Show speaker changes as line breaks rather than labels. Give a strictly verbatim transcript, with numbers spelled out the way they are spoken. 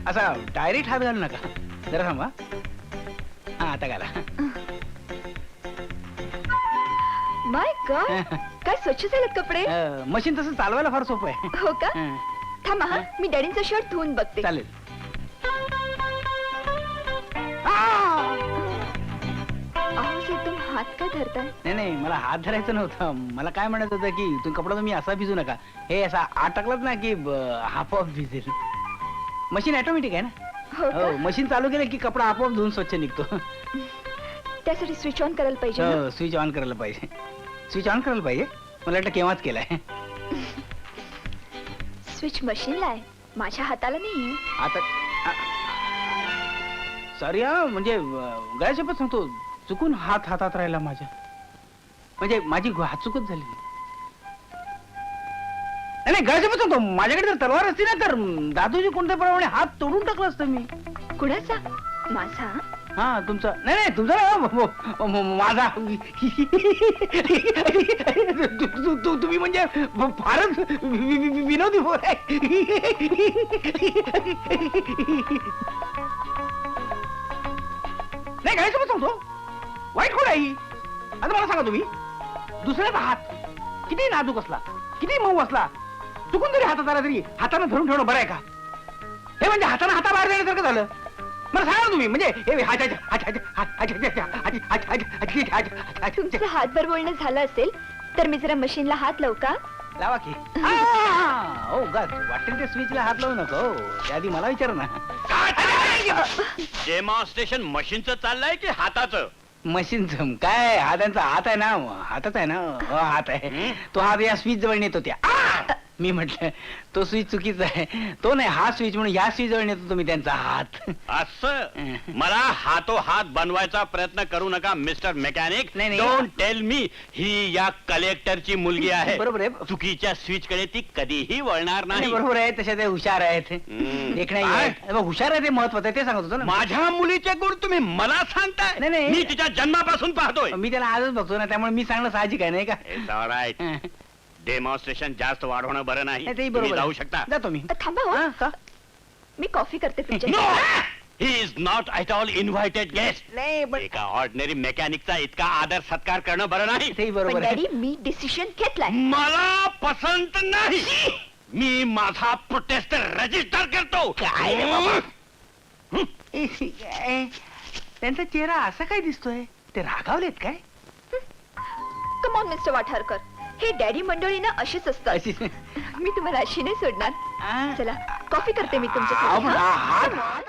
असा डायरेक्ट हात घालू नका, जरा थांबा. हा आता घाला.
माय गॉड, काय स्वच्छ झालेत कपडे.
मशीन तसं चालवायला फार सोपं आहे.
हो का?
हं,
थांबा हा, मी डॅडींचा शर्ट धुवून बघते.
चालेल.
अहो एकदम हात काय धरताय?
नाही नाही, मला हात धरायचं नव्हतं. मला काय म्हणायचं होतं की तुम्ही कपडा तुम्ही असा भिजू नका, हे असा अटकलात ना की आपोआप भिजेल. मशीन ऑटोमॅटिक आहे ना.
हो
हो,
का?
मशीन चालू केलं की कपडा आपोआप धुवून स्वच्छ निघतो.
त्यासाठी स्विच ऑन करायला पाहिजे ना?
हो, स्विच ऑन करायला पाहिजे. स्विच ऑन करायला पाहिजे. मला वाटलं केव्हाच केलाय.
स्विच मशीनला आहे, माझ्या हाताला नाही.
आता सॉरी हा, म्हणजे गळ्याशपथ सांगतो, चुकून हात हातात राहिला माझ्या. म्हणजे माझी हात चुकत झाली. नाही नाही, गळ्याशपथ सांगतो, माझ्याकडे जर तलवार असती ना तर दादूजी कोणत्या प्रमाणे हात तोडून टाकला असतं मी.
कुणाचा? माझा?
हा तुमचा नाही नाही, तुमचा ना, माझा. तु- तु- तु- तुम्ही म्हणजे फारच वि- वि- वि- विनोदी पोर आहे. नाही काय समज सांगतो, वाईट कोण आहे ही? आता मला सांगा तुम्ही, दुसऱ्याचा हात किती नाजूक असला, किती मऊ असला, चुकून जरी हातात आला तरी हाताने धरून ठेवणं बरं आहे का? हे म्हणजे हाताने हाता बाहेर जाण्यासारखं झालं. मला सांगा ना तुम्ही, म्हणजे हे हात- हात- हात- हात- हात- हात- हात- हात- हात- हात- हात- हात-
तुमचं हातभर बोलणं झालं असेल तर मी जरा मशीनला हात लावू का?
लावा की. हो गा, वाटेल त्या स्विचला हात लावू नको. त्याआधी मला विचार ना.
डेमॉन्स्ट्रेशन मशीनचं चाललंय की हाताचं?
मशीनचं काय, हातांचा हात आहे ना, हातात आहे ना. हो, हात आहे. तो हात या स्विच जवळ नेतो त्या. मी म्हटलं तो स्विच चुकीचा आहे, तो नाही हा स्विच, म्हणून या स्विच जवळ नेतो तुम्ही त्यांचा हात.
असं मला हातो हात बनवायचा प्रयत्न करू नका मिस्टर मेकॅनिक.
नाही, नाही.
डोंट टेल मी ही या कलेक्टरची मुलगी आहे.
बरोबर आहे.
चुकीच्या स्विच कडे ती कधीही वळणार
नाही,
नाही.
बरोबर आहे, तशा ते हुशार आहेत.
हम्म.
एक नाही
काय?
आहे. बघ, हुशार आहे ते महत्वाचं आहे, ते सांगत होतो ना.
माझ्या मुलीचे गुण तुम्ही मला सांगताय?
नाही, नाही.
मी तिच्या जन्मापासून पाहतोय.
मी त्याला आजच बघतो ना, त्यामुळे मी सांगणं साहजिक आहे, नाही का?
It's all right. डेमॉन्स्ट्रेशन जास्त वाढवणं बरं नाही.
नाही, तेही
तुम्ही
बरोबर
जाऊ
आहे.
शकता.
जातो मी.
अ, थांबा हो,
हा, का?
मी कॉफी करते तुमच्या.
No, he is not at all invited guest.
नाही पण
एका ऑर्डिनरी मेकॅनिकचा इतका आदर सत्कार करणं बरं नाही.
तेही
पण
बरोबर आहे.
डॅडी मी डिसिशन घेतलाय.
मला पसंत नाही. मी माझा प्रोटेस्ट रजिस्टर करतो.
काय रे बाबा? ए, ए, त्यांचा चेहरा असा काय दिसतोय? ते रागावलेत काय?
कम ऑन मिस्टर वाठारकर, हे डॅडी मंडळी ना अशीच असतात.
अशी
मी तुम्हाला अशी नाही सोडणार.
आ?
चला कॉफी करते मी
आ,
तुमच्यासाठी.
आ,
हा?
हात-
Come on.